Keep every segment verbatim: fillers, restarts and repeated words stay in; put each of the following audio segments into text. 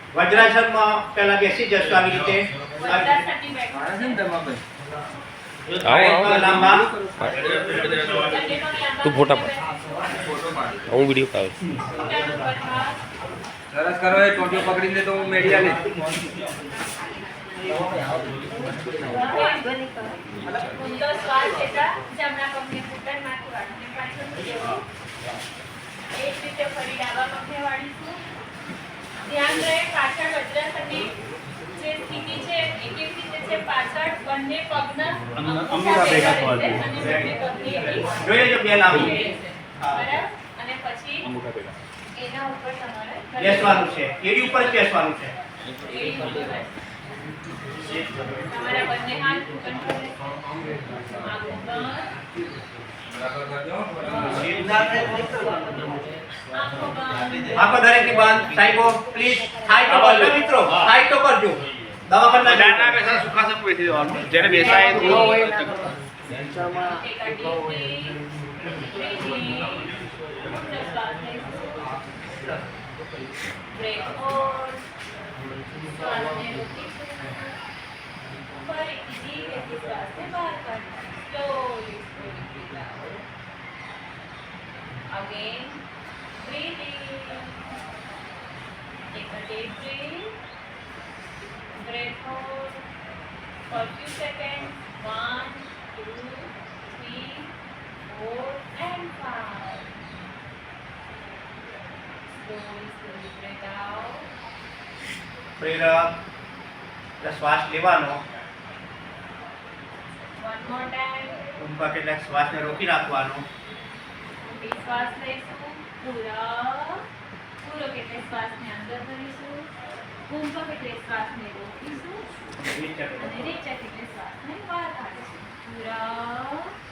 વજ્રાસનમાં પહેલા બેસી જશો આવી રીતે વજ્રાસનની બેઠક આવે છે ને તમારે આવો આવો લાંબા તું ફોટા પાડ ફોટો પાડ હું વિડીયો પાડ ઘૂંટણ ઉપર હાથ, સરસ કરો એ ટોટીઓ પકડીને તો હું મેડિયા લે ઊંડો શ્વાસ લેતા જમણા પગને ઘૂંટણમાંથી વાળીને પાછળ મૂકવું. એ જ રીતે ફરી ડાબા પગને વાળીશું. ધ્યાન રહે પાછળ વજ્રાસનની જે સ્થિતિ છે એ કેવી રીતે છે, પાછળ બંને પગના અંગૂઠા ભેગા રહેશે અને બંને પગની એવી જોઈ લેજો બે લાંબી રહેશે. બરાબર? અને પછી એના ઉપર તમારે બેસવાનું છે એડી ઉપર જ બેસવાનું છે એડી ઉપર બેસવાનું. તમારા બંને હાથ ઘૂંટણ પર રહેશે. આંખો બંધ. બરાબર કરજો આંખો બંધ. આખો દરેક ની બંધ સાહેબો પ્લીઝ હાઈ તો કરજો મિત્રો હાઈ તો કરજો દવાખાના ના બેસા સુખા સે બેસી જવાનું જેને બેસાય તો Take a deep breath. Breathe in. Just શ્વાસ લઈશું. Breath out. શ્વાસને રોકીશું. ફરીથી ધીરેથી શ્વાસને બહાર કાઢીશું. Slowly, slowly breathe out. Again, breathe in. Take a deep breath. Breath out. For few seconds. One, two, three, four, and five. Slowly, slowly breathe out. પ્રેરક શ્વાસ લેવાનો One more time. ઊંઘમાં કેટલાક શ્વાસને રોકી રાખવાનો ઊંડી શ્વાસ લઈશું. પૂરા પૂરો કેટલે શ્વાસને અંદર ભરીશું. ઊંઘમાં કેટલે શ્વાસને રોકીશું. અને નીચે કેટલે શ્વાસને બહાર કાઢીશું. પૂરા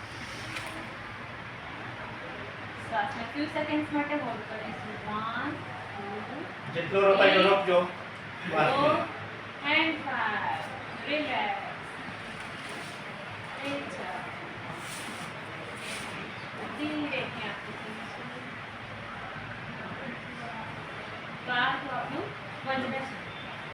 શ્વાસને few seconds માટે હોલ્ડ કરીશું. One, two, જેટલો રોકાય તો રોકજો શ્વાસને four, and five. Relax. Relax.